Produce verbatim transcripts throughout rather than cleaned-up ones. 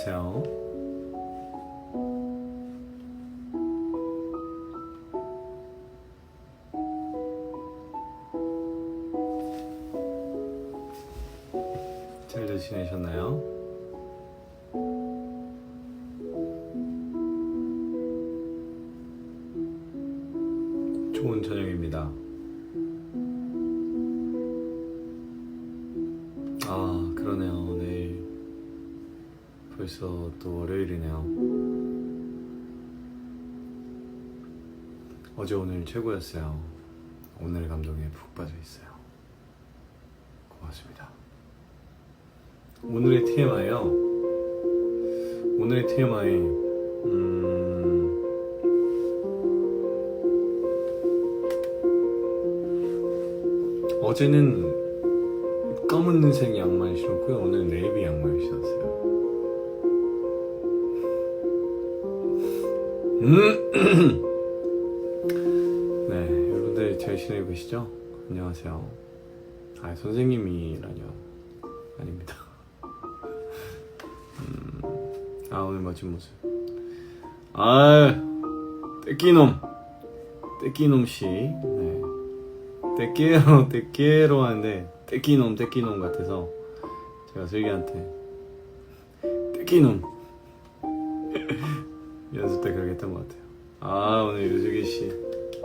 안녕하세요. 잘들 지내셨나요? 좋은 저녁입니다. 아, 그러네요. 내일 벌써 또 월요일이네요. 어제 오늘 최고였어요. 오늘 감동에 푹 빠져 있어요. 고맙습니다. 오늘의 티엠아이요. 오늘의 티엠아이 음... 어제는 검은색 양말 신었고요. 오늘 네이비 양말 신었어요. 음! 네, 여러분들 잘 지내고 계시죠? 안녕하세요. 아, 선생님이라뇨. 아닙니다. 음, 아, 오늘 멋진 모습. 아, 떼끼놈. 떼끼놈씨. 네. 떼끼로, 떼끼로 하는데, 떼끼놈, 떼끼놈 같아서, 제가 슬기한테, 떼끼놈. 연습 때 그렇게 했던 것 같아요. 아, 오늘 유슬기씨.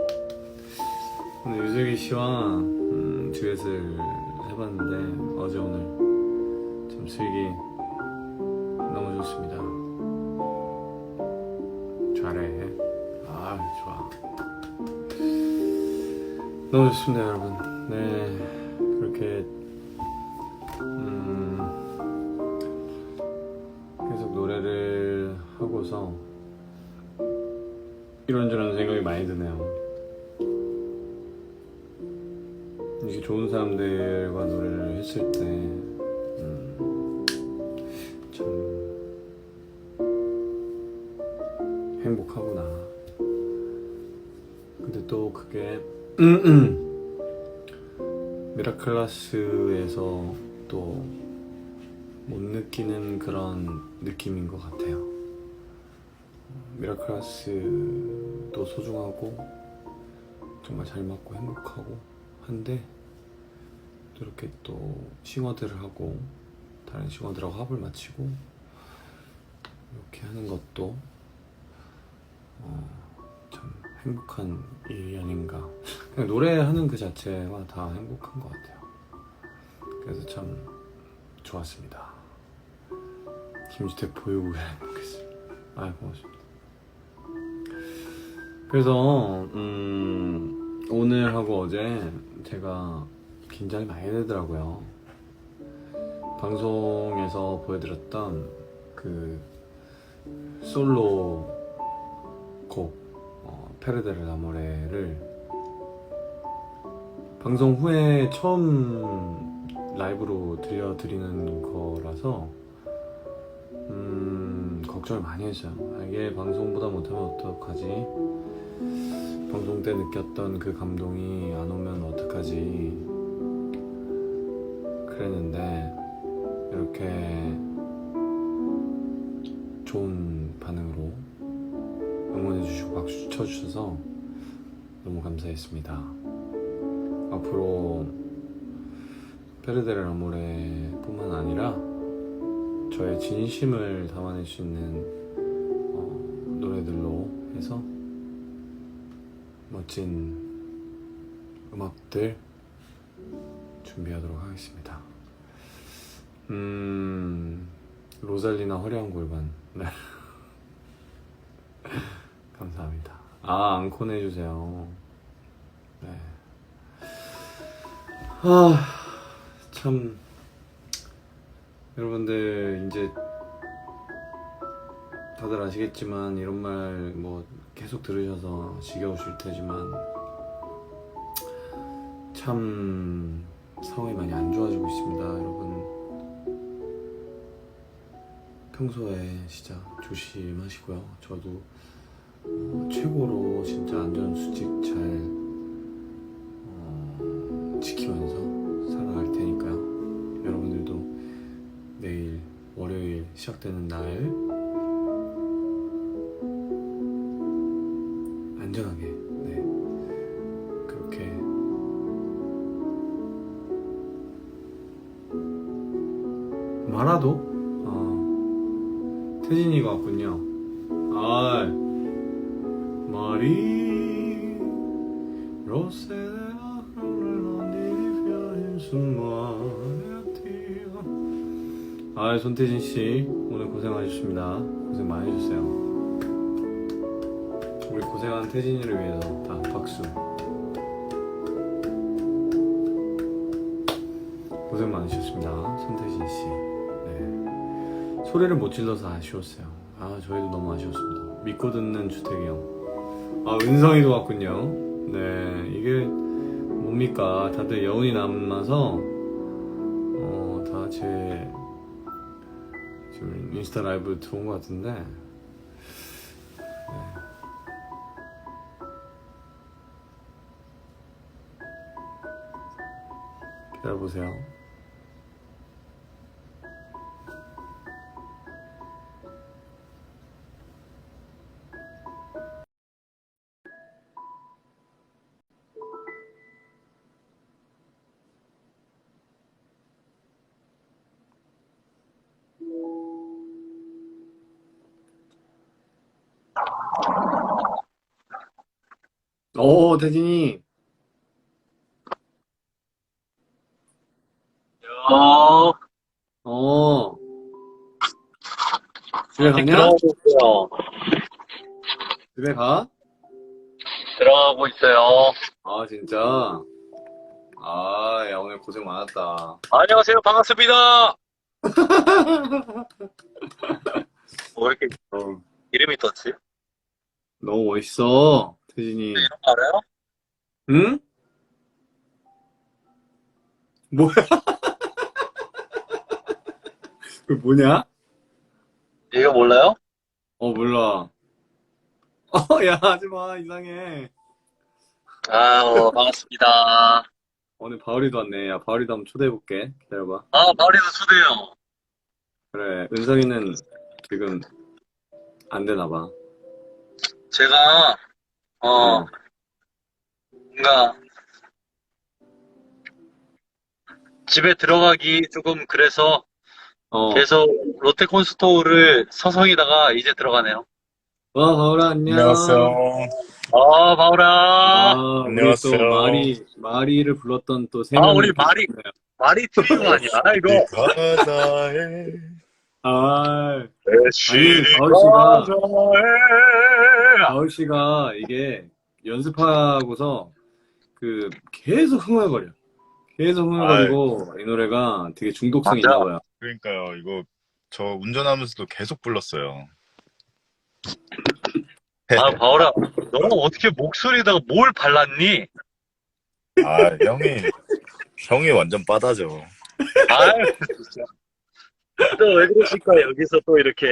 오늘 유슬기씨와, 음, 듀엣을 해봤는데, 어제 오늘, 참 슬기, 너무 좋습니다. 잘해. 아, 좋아. 너무 좋습니다, 여러분. 네, 그렇게 음, 계속 노래를 하고서 이런저런 생각이 많이 드네요. 이렇게 좋은 사람들과 노래를 했을 때 음, 참 행복하구나. 근데 또 그게 미라클라스에서 또 못 느끼는 그런 느낌인 것 같아요. 미라클라스도 소중하고 정말 잘 맞고 행복하고 한데 또 이렇게 또 싱어들을 하고 다른 싱어들하고 합을 맞추고 이렇게 하는 것도 어, 참 행복한 일이 아닌가. 그냥 노래하는 그 자체가 다 행복한 것 같아요. 그래서 참 좋았습니다. 김주택 보유국에 행복했습니다. 아, 고맙습니다. 그래서 음, 오늘 하고 어제 제가 긴장이 많이 되더라고요. 방송에서 보여드렸던 그 솔로 곡 어, 페르데르 라모레를 방송 후에 처음 라이브로 들려드리는 거라서 음, 걱정을 많이 했어요. 아, 이게 방송보다 못하면 어떡하지? 방송 때 느꼈던 그 감동이 안 오면 어떡하지? 그랬는데 이렇게 좋은 반응으로 응원해주시고 박수 쳐주셔서 너무 감사했습니다. 앞으로 페르데르 라모레 뿐만 아니라 저의 진심을 담아낼 수 있는 어, 노래들로 해서 멋진 음악들 준비하도록 하겠습니다. 음... 로잘리나 화려한 골반. 네. 감사합니다. 아, 앙콘 해주세요. 네. 아, 참 여러분들 이제 다들 아시겠지만 이런 말 뭐 계속 들으셔서 지겨우실 테지만 참 상황이 많이 안 좋아지고 있습니다, 여러분. 평소에 진짜 조심하시고요. 저도 어, 최고로 진짜 안전수칙 잘 어, 지키면서 살아갈 테니까요. 여러분들도 내일 월요일 시작되는 날 안전하게 네 그렇게 마라도 어, 태진이가 왔군요. 아 마리 로세라 아 손태진씨 오늘 고생하셨습니다. 고생 많이 해주세요. 우리 고생한 태진이를 위해서 다 박수. 고생 많으셨습니다 손태진씨. 네. 소리를 못 질러서 아쉬웠어요. 아 저희도 너무 아쉬웠습니다. 믿고 듣는 주택이 형. 아 은성이도 왔군요. 네 이게 뭡니까 다들 여운이 남아서 어, 다 제 지금 인스타 라이브 들어온 것 같은데 네. 기다려보세요. 오 태진이 어, 어 집에 아직 가냐? 들어가고 있어요. 집에 가? 들어가고 있어요. 아 진짜? 아 야 오늘 고생 많았다. 안녕하세요. 반갑습니다. 뭐 이렇게 어, 이름이 떴지? 너무 멋있어 태진이. 이름 알아요? 응? 뭐야? 그 뭐냐? 이거 몰라요? 어 몰라. 어 야 하지마 이상해. 아, 어, 반갑습니다. 오늘 바울이도 왔네. 야 바울이도 한번 초대해볼게. 기다려봐. 아, 마을에서 초대요. 그래 은성이는 지금 안 되나봐. 제가, 어, 뭔가, 집에 들어가기 조금 그래서 어. 계속 롯데콘스토어를 서성이다가 이제 들어가네요. 와 바울아 안녕. 안녕하세요. 아, 마을아. 아 우리 안녕하세요. 또 마리 마리를 불렀던 또 세 아, 명이 우리 마리. 계시네요. 말이 틀린 거 아니야, 이거. 이 바다에 아 시리 바울 씨가- 바다에. 바울 씨가 이게 연습하고서 그 계속 흥얼거려. 계속 흥얼거리고 이 노래가 되게 중독성이 맞아. 있나 봐요. 그러니까요. 이거 저 운전하면서도 계속 불렀어요. 아, 바울아, 너는 어떻게 목소리에다가 뭘 발랐니? 아, 형이 형이 완전 빠다죠. 아유, 진짜. 또 왜 그러실까, 여기서 또 이렇게.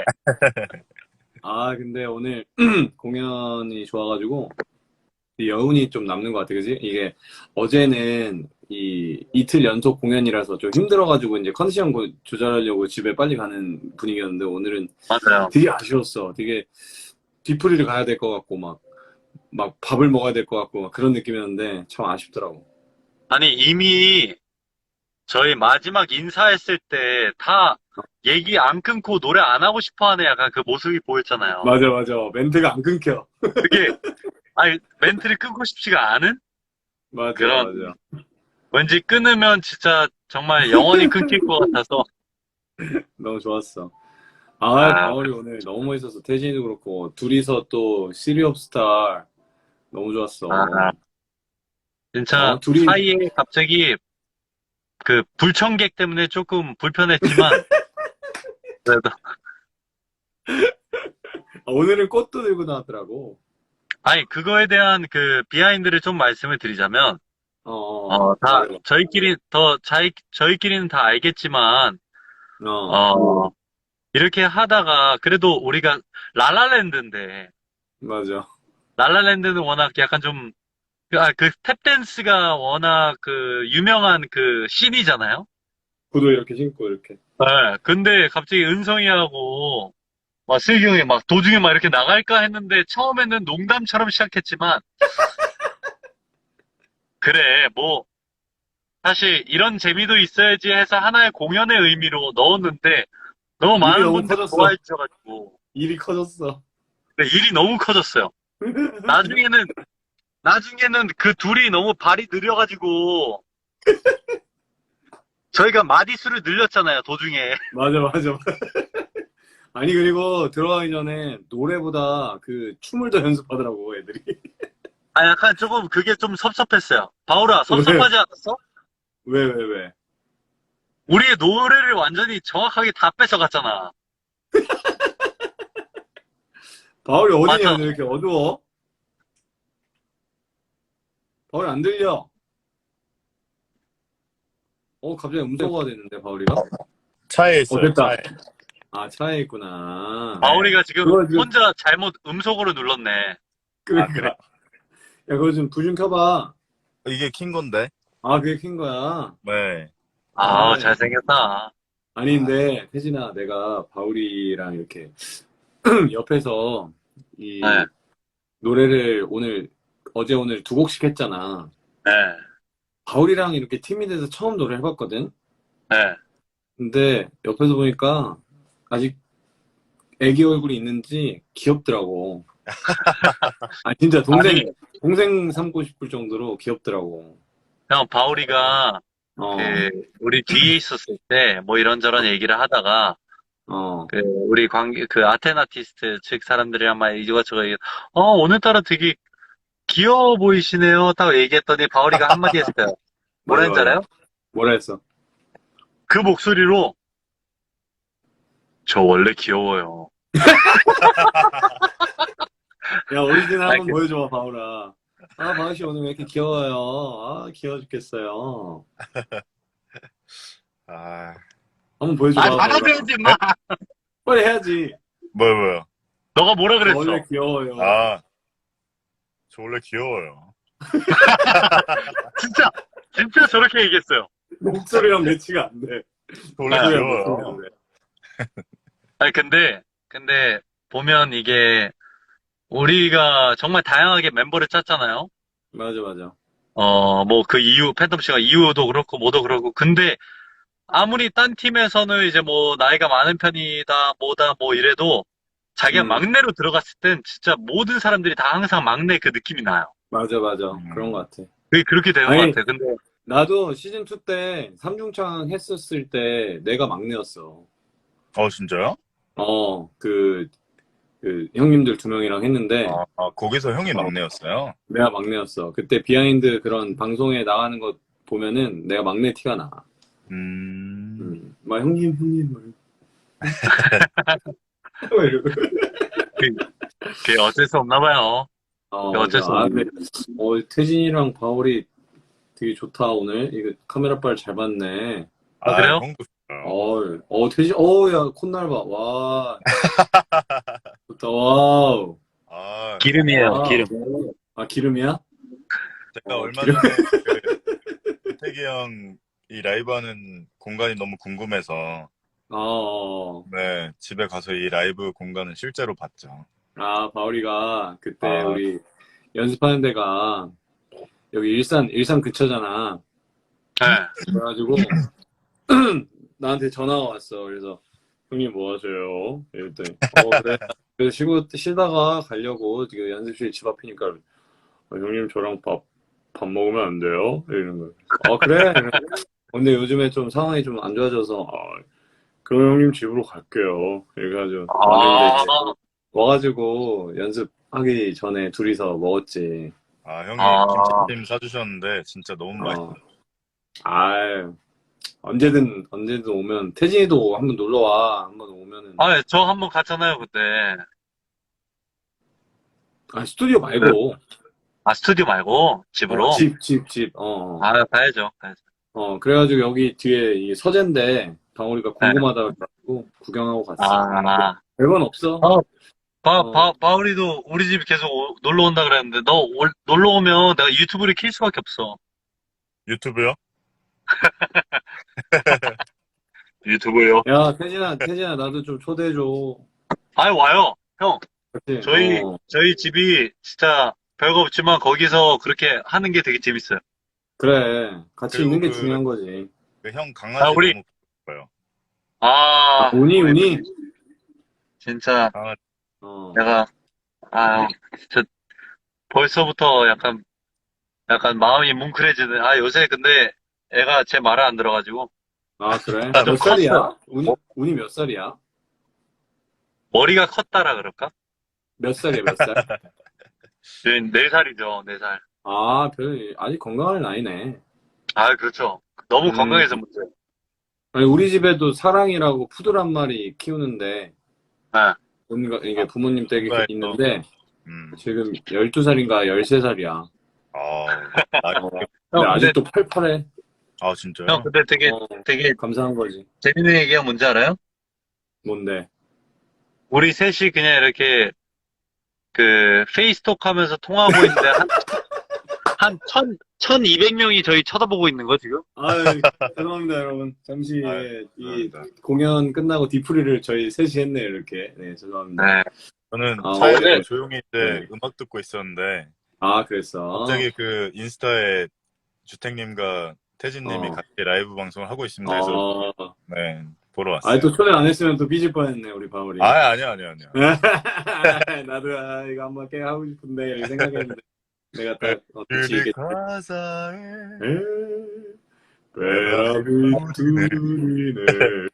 아 근데 오늘 공연이 좋아가지고 여운이 좀 남는 것 같아, 그지? 이게 어제는 이 이틀 연속 공연이라서 좀 힘들어가지고 이제 컨디션 고- 조절하려고 집에 빨리 가는 분위기였는데 오늘은 맞아요. 되게 아쉬웠어. 되게 뒤풀이를 가야 될 것 같고 막 막 밥을 먹어야 될 것 같고 막 그런 느낌이었는데 참 아쉽더라고. 아니, 이미 저희 마지막 인사했을 때 다 얘기 안 끊고 노래 안 하고 싶어 하는 약간 그 모습이 보였잖아요. 맞아 맞아 멘트가 안 끊겨. 그게, 아니, 멘트를 끊고 싶지가 않은? 맞아 그런- 맞아. 왠지 끊으면 진짜 정말 영원히 끊길 것 같아서. 너무 좋았어. 아, 아. 바울이 오늘 너무 멋있었어. 태진이도 그렇고 둘이서 또 시리 옵 스타 너무 좋았어. 아. 진짜 어, 둘이- 사이에 갑자기 그 불청객 때문에 조금 불편했지만 그래도 아, 오늘은 꽃도 들고 나왔더라고. 아니 그거에 대한 그 비하인드를 좀 말씀을 드리자면 어, 어, 다 맞아. 저희끼리 더 자이, 저희끼리는 다 알겠지만 어, 어 이렇게 하다가 그래도 우리가 라라랜드인데 맞아. 라라랜드는 워낙 약간 좀 아, 그 스텝댄스가 워낙 그 유명한 그 씬이잖아요. 구두 이렇게 신고 이렇게. 네, 근데 갑자기 은성이하고 막 슬기 형이 막 도중에 막 이렇게 나갈까 했는데 처음에는 농담처럼 시작했지만 그래 뭐 사실 이런 재미도 있어야지 해서 하나의 공연의 의미로 넣었는데 너무 일이 많은 너무 분들이 커졌어. 좋아해 주셔가지고 일이 커졌어. 근데 일이 너무 커졌어요. 나중에는 나중에는 그 둘이 너무 발이 느려가지고 저희가 마디수를 늘렸잖아요 도중에. 맞아, 맞아. 아니, 그리고 들어가기 전에 노래보다 그 춤을 더 연습하더라고, 애들이. 아 약간 조금 그게 좀 섭섭했어요. 바울아 왜? 섭섭하지 않았어? 왜, 왜, 왜? 우리의 노래를 완전히 정확하게 다 뺏어갔잖아. 바울이 어디냐, 맞아. 오늘 이렇게 어두워? 바울이 안 들려. 어, 갑자기 음소거가 됐는데, 바울이가? 차에 어, 있어요, 됐다. 차에. 아, 차에 있구나. 네. 바울이가 지금 그거 지금, 혼자 잘못 음속으로 눌렀네. 아, 그래? 그러니까. 야, 그거 좀 불 좀 켜봐. 이게 킨 건데. 아, 그게 킨 거야. 네. 아 아, 잘생겼다. 아니, 근데, 태진아, 내가 바울이랑 이렇게 옆에서 이 네, 노래를 오늘, 어제 오늘 두 곡씩 했잖아. 네, 바울이랑 이렇게 팀이 돼서 처음 노래 해봤거든? 네. 근데 옆에서 보니까 아직 애기 얼굴이 있는지 귀엽더라고. 아, 진짜 동생, 아니 동생 삼고 싶을 정도로 귀엽더라고. 형 바울이가 어, 그 우리 뒤에 있었을 때 뭐 이런저런 얘기를 하다가 어. 그 우리 관계 그 아테나티스트 측 사람들이랑 막 이거저거 얘기, 어 오늘따라 되게 귀여워 보이시네요. 딱 얘기했더니 바울이가 한마디 했어요. 뭐라 맞아, 했는지 맞아. 알아요? 뭐라 했어? 그 목소리로 저 원래 귀여워요. 야, 오리지널 아, 한번 그, 보여줘봐, 바울아. 아, 바울씨 오늘 왜 이렇게 귀여워요? 아, 귀여워 죽겠어요. 아, 한번 아, 보여줘봐, 바울아. 나가줘야지, 마. 빨리 해야지. 뭐요, 뭐요? 너가 뭐라 저 원래 그랬어? 귀여워요. 아, 저 원래 귀여워요. 진짜, 진짜 저렇게 얘기했어요. 목소리랑 매치가 안 돼. 저 원래 아, 목소리랑 매치가 귀여워요. 안 돼. 아니, 근데, 근데, 보면 이게, 우리가 정말 다양하게 멤버를 짰잖아요. 맞아, 맞아. 어, 뭐, 그 이유, 팬텀 씨가 이유도 그렇고, 뭐도 그렇고. 근데, 아무리 딴 팀에서는 이제 뭐, 나이가 많은 편이다, 뭐다, 뭐 이래도, 자기가 음, 막내로 들어갔을 땐 진짜 모든 사람들이 다 항상 막내 그 느낌이 나요. 맞아, 맞아. 그런 음. 것 같아. 그게 그렇게 되는 것 아니, 같아요. 근데, 나도 시즌 투 때 삼중창 했었을 때 내가 막내였어. 어, 진짜요? 어, 그, 그 형님들 두 명이랑 했는데 아, 아, 거기서 형이 어, 막내였어요? 내가 막내였어. 그때 비하인드 그런 방송에 나가는 거 보면은 내가 막내 티가 나. 음, 음, 막 형님, 형님, 막 이러고. 이러고. 그- 그게 어쩔 수 없나 봐요. 어, 그게 맞아. 어쩔 수 아, 없나 근데, 어, 태진이랑 바울이 되게 좋다, 오늘. 이거 카메라 빨 잘 봤네. 아, 아, 그래요? 형도 좋아요. 어, 어, 태진, 어, 야, 콧날 봐. 와, 좋다, 와우. 아, 기름이에요, 와우. 기름. 아, 기름이야? 제가 어, 얼마 기름. 전에 그 태기 형 이 라이브 하는 공간이 너무 궁금해서 어, 어. 네, 집에 가서 이 라이브 공간을 실제로 봤죠. 아, 바울이가 그때 아, 우리 연습하는 데가 여기 일산, 일산 근처잖아. 네. 그래가지고 나한테 전화가 왔어. 그래서 형님 뭐 하세요? 이랬더니 어 그래. 그래서 쉬고 쉬다가 가려고 지금 연습실 집 앞이니까 어, 형님 저랑 밥, 밥 먹으면 안 돼요? 이러는 거야. 어 그래. 근데 요즘에 좀 상황이 좀 안 좋아져서 아, 그럼 형님 집으로 갈게요. 이래가지고 왔는데 이제 아, 와가지고 연습하기 전에 둘이서 먹었지. 아, 형이 아, 김치찜 사주셨는데 진짜 너무 어. 맛있어요. 아 언제든 언제든 오면 태진이도 한번 놀러 와. 한번 오면은 아, 저 한 번 갔잖아요, 그때. 아 스튜디오 그, 말고 아, 스튜디오 말고, 어, 집으로? 집, 집, 집. 어, 아, 가야죠, 가야죠. 어. 그래가지고 여기 뒤에 이 서재인데 방울이가 네. 궁금하다 그래가지고 구경하고 갔어. 아, 별건 없어. 어, 바, 어, 바, 바울이도 우리 집 계속 오- 놀러 온다 그랬는데, 너 올, 놀러 오면 내가 유튜브를 킬 수밖에 없어. 유튜브요? 유튜브요. 야, 태진아, 태진아, 나도 좀 초대해줘. 아니, 와요. 형, 같이. 저희, 어, 저희 집이 진짜 별거 없지만 거기서 그렇게 하는 게 되게 재밌어요. 그래. 같이 그리고 있는 게 그- 중요한 거지. 그 형 아, 강아지 우리- 너무 예뻐요. 아, 운이, 우리 운이? 진짜 강아지. 어. 내가, 아, 진짜 벌써부터 약간, 약간 마음이 뭉클해지네. 아, 요새 근데 애가 제 말을 안 들어가지고 아, 그래? 좀 몇 살이야? 컸어. 운이, 운이 몇 살이야? 머리가 컸다라 그럴까? 몇 살이야, 몇 살? 네 살이죠, 네 살. 아, 별, 아직 건강한 나이네. 아, 그렇죠. 너무 음. 건강해서 문제. 아니, 우리 집에도 사랑이라고 푸들 한 마리 키우는데, 네. 뭔가 이게 부모님 댁에 뭔가 있는데, 음. 지금 열두 살인가 열세 살이야. 아, 나, 어. 근데 형, 근데, 아직도 팔팔해. 아 진짜요? 형, 근데 되게, 어, 되게 감사한 거지. 재밌는 얘기가 뭔지 알아요? 뭔데? 우리 셋이 그냥 이렇게 그 페이스톡 하면서 통화하고 있는데 한, 한 천, 천이백 명이 저희 쳐다보고 있는 거 지금? 아, 죄송합니다, 여러분. 잠시 아유, 이 죄송합니다. 공연 끝나고 디프리를 저희 셋이 했네요, 이렇게. 네, 죄송합니다. 네. 저는 아, 차에서 원래- 조용히 이제 네. 음악 듣고 있었는데 아, 그랬어. 갑자기 그 인스타에 주택님과 태진님이 어. 같이 라이브 방송을 하고 있습니다 해서 어. 네 보러 왔어요. 아, 또 초대 안 했으면 또 삐질 뻔했네, 우리 바울이. 아 아니요 아니요 아니요. 나도 아, 이거 한번 깨 하고 싶은데 이렇게 생각했는데 내가 딱 어, 같이 그대 이게 가사에 베라비 둘이네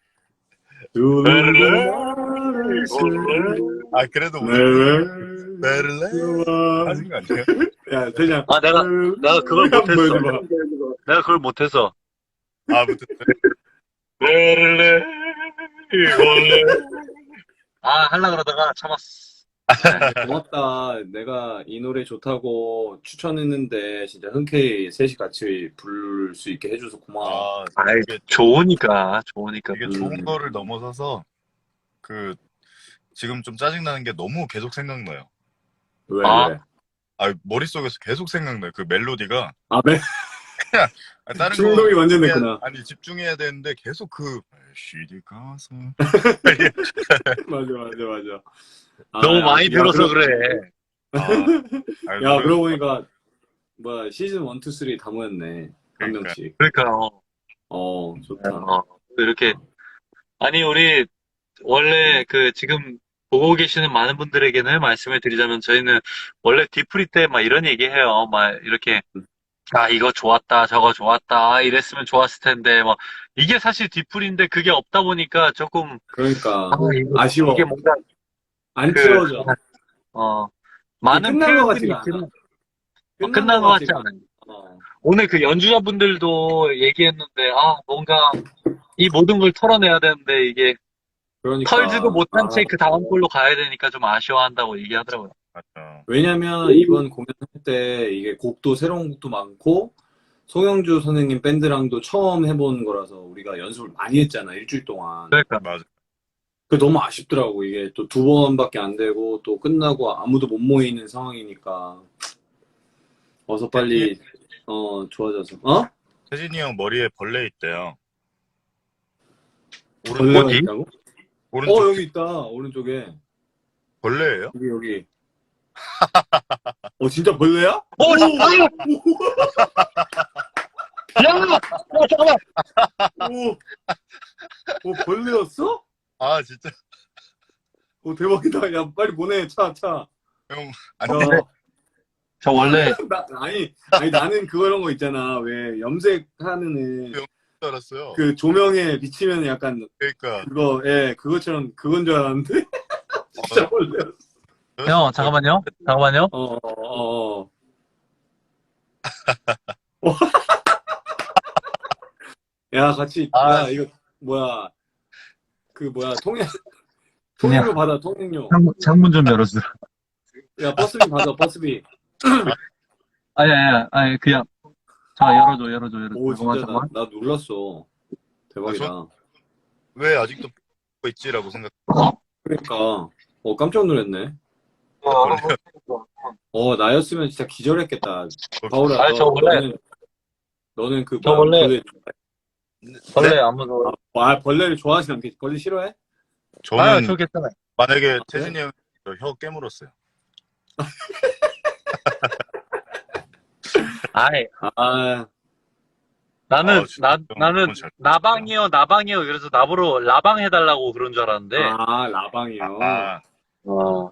두는 아 그래도 우리 네. 베를레 하신 거 아니에요? 야, 대장. 아, 내가, 내가 그걸 못했어. 보여줘봐. 내가 그걸 못해서. 아 무튼 베를레, 이걸레. 아, 하려 그러다가 참았어. 고맙다. 내가 이 노래 좋다고 추천했는데 진짜 흔쾌히 셋이 같이 부를 수 있게 해줘서 고마워. 아 아이, 이게, 좋으니까, 좋으니까. 이게 음. 좋은 거를 넘어서서 그 지금 좀 짜증 나는 게 너무 계속 생각나요. 왜, 아. 왜? 아 머릿속에서 계속 생각나요. 그 멜로디가 아, 매, 아, 다른 중독이 거 완전 집중해야- 됐구나. 아니 집중해야 되는데 계속 그 시디 가서 맞아, 맞아, 맞아. 아, 너무 야, 많이 야, 들어서 그러- 그래. 아, 아, 야, 노래- 그러고 보니까, 뭐야, 시즌 일, 이, 삼 다 모였네. 한 그러니까. 명씩. 그러니까, 어, 어, 좋다. 어, 이렇게. 아니, 우리, 원래 그, 지금, 보고 계시는 많은 분들에게는 말씀을 드리자면, 저희는 원래 디프리 때 막 이런 얘기 해요. 막, 이렇게, 아, 이거 좋았다, 저거 좋았다, 이랬으면 좋았을 텐데, 뭐, 이게 사실 디프리인데 그게 없다 보니까 조금, 그러니까, 아, 이거, 아쉬워. 이게 뭔가, 안 그- 채워져. 어, 많은 끝난 것 표현들이 같지가 있지만, 않아. 어, 끝난 것 같지 같지가 않아요. 어. 오늘 그 연주자분들도 얘기했는데, 아, 뭔가, 이 모든 걸 털어내야 되는데, 이게, 그러니까. 털지도 못한 아, 채 그 다음 걸로 가야 되니까 좀 아쉬워한다고 얘기하더라고요. 맞죠. 왜냐면 이번 공연할 때 이게 곡도 새로운 곡도 많고 송영주 선생님 밴드랑도 처음 해본 거라서 우리가 연습을 많이 했잖아 일주일 동안. 그러니까. 맞아. 그 너무 아쉽더라고 이게 또 두 번밖에 안 되고 또 끝나고 아무도 못 모이는 상황이니까 어서 빨리 어 좋아져서 어? 태진이 형 머리에 벌레 있대요. 벌레가 어디? 있다고? 오른쪽 어 여기 있다 오른쪽에 벌레예요? 여기 여기. 어 진짜 벌레야? 어, 잠깐만! 야! 어, 잠깐만! 오, 오 벌레였어? 아 진짜 오 대박이다. 야 빨리 보내 차 차. 형 저, 아니 저 원래, 나, 아니 아니 나는 그런 거 있잖아. 왜 염색하는 애, 줄 알았어요. 그 조명에 비치면 약간 그러니까 그거 예 그것처럼 그건 줄 알았는데 진짜 벌레였어. 형, 잠깐만요. 잠깐만요. 어, 어, 어. 야, 같이, 아, 야, 이거, 뭐야. 그, 뭐야, 통행, 통행료 받아, 통행료. 창문, 창문 좀 열어주세요. 야, 버스비 받아, 버스비. 아니, 아니, 아니, 그냥. 자, 열어줘, 열어줘, 열어줘. 오, 잠깐만, 진짜, 나, 잠깐만. 나 놀랐어. 대박이다. 왜 아직도 X가 있지라고 생각. 그러니까, 어, 깜짝 놀랐네. 어, 어, 나였으면 진짜 기절했겠다. 바울아, 아니, 너, 저 원래- 너는, 너는 그, 저 뭐야, 원래- 그, 원래 안 무서워. 아, 와, 벌레를 좋아하진 않겠지. 벌레 싫어해? 아, 저는 저 괜찮아요. 만약에 그래? 태진이 형이 저혀 깨물었어요. 아이, 아, 나는, 아, 진짜 나, 형 나는 너무 잘 나방이요, 나방이요. 그래서 나보러 라방 해달라고 그런 줄 알았는데. 아, 라방이요. 아, 어.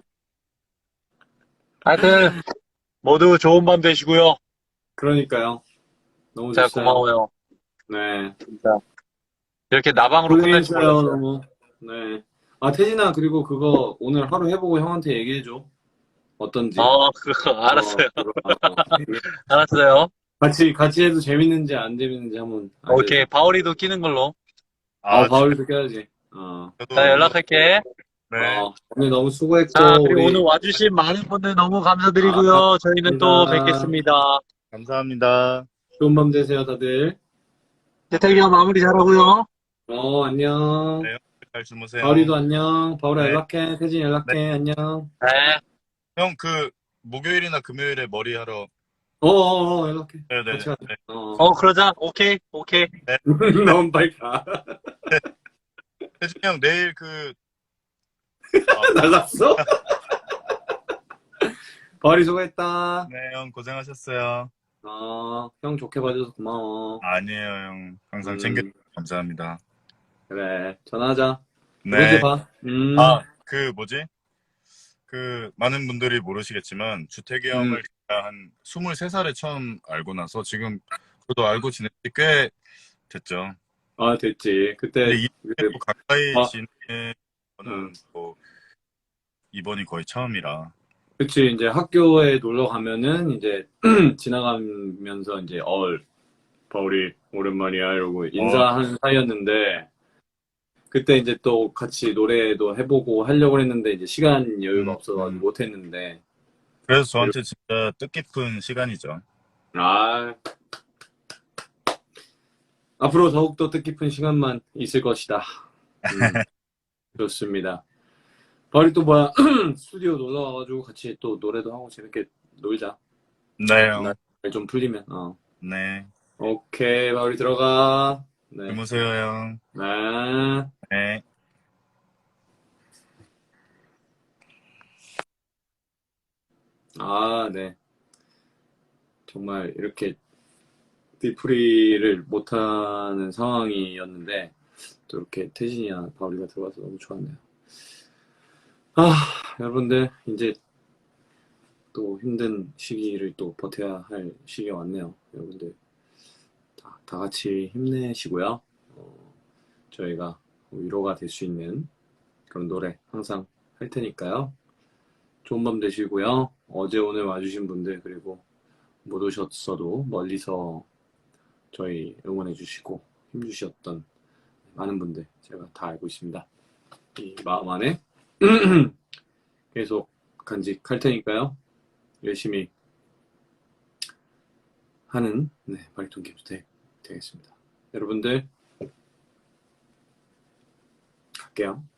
하여튼, 모두 좋은 밤 되시고요. 그러니까요. 너무 진짜 좋어요. 고마워요. 네. 진짜. 이렇게 나방으로 끝날 줄 고생했어요, 몰랐어요. 너무. 네. 아, 태진아, 그리고 그거 오늘 하루 해보고 형한테 얘기해줘. 어떤지. 어, 그거, 어, 알았어요. 그거, 어, 얘기- 알았어요. 같이, 같이 해도 재밌는지 안 재밌는지 한번 알려줘. 오케이, 바울이도 끼는 걸로. 어, 아, 바울이도 껴야지. 어, 저도 자, 연락할게. 네, 어, 오늘 너무 수고했고, 자, 그리고 오늘 우리. 와주신 많은 분들 너무 아, 감사드리고요. 저희는 또 감사합니다. 뵙겠습니다. 감사합니다. 좋은 밤 되세요, 다들. 태택이 형 마무리 잘하고요. 어, 안녕. 네, 잘 주무세요. 바울이도 안녕. 바울아 네. 연락해. 태진 연락해. 안녕. 네. 형, 그 목요일이나 금요일에 머리 하러. 어어어 연락해. 네네. 같이 가자. 네. 어. 어, 그러자. 오케이, 오케이. 너무 빨리 가. 태진이 형 내일 그 나갔어? 바울이 수고했다. 네, 형 고생하셨어요. 어, 형 좋게 봐줘서 고마워. 아니에요, 형. 항상 음, 챙겨 감사합니다. 그래. 전화하자. 네. 이번 주에 봐. 음. 아, 그 뭐지? 그 많은 분들이 모르시겠지만 주택이 음. 형을 제가 한 스물세 살에 처음 알고 나서 지금 저도 알고 지낸 지 꽤 됐죠. 아, 됐지. 그때, 근데 이 그, 또 가까이 아. 지내는 거는 음. 뭐 이번이 거의 처음이라. 그치. 이제 학교에 놀러 가면은 이제 지나가면서 이제, 얼, 바울이 오랜만이야. 이러고 인사하는 사이였는데, 그때 이제 또 같이 노래도 해보고 하려고 했는데, 이제 시간 여유가 음, 없어가지고 음. 못했는데, 그래서 저한테 진짜 뜻깊은 시간이죠. 아, 앞으로 더욱더 뜻깊은 시간만 있을 것이다. 음, 좋습니다. 바울이 또 뭐야, 스튜디오 놀러 와가지고 같이 또 노래도 하고 재밌게 놀자. 네, 형. 날 좀 풀리면, 어. 네. 오케이, 바울이 들어가. 네. 주무세요, 형. 네. 네. 아, 네. 정말 이렇게 디프리를 못하는 상황이었는데, 또 이렇게 태진이나 바울이가 들어와서 너무 좋았네요. 아, 여러분들, 이제 또 힘든 시기를 또 버텨야 할 시기가 왔네요. 여러분들, 다, 다 같이 힘내시고요. 어, 저희가 위로가 될 수 있는 그런 노래 항상 할 테니까요. 좋은 밤 되시고요. 어제 오늘 와주신 분들, 그리고 못 오셨어도 멀리서 저희 응원해 주시고 힘주셨던 많은 분들 제가 다 알고 있습니다. 이 마음 안에 계속 간직할 테니까요. 열심히 하는 네, 바리톤 김수택 되겠습니다. 여러분들 갈게요.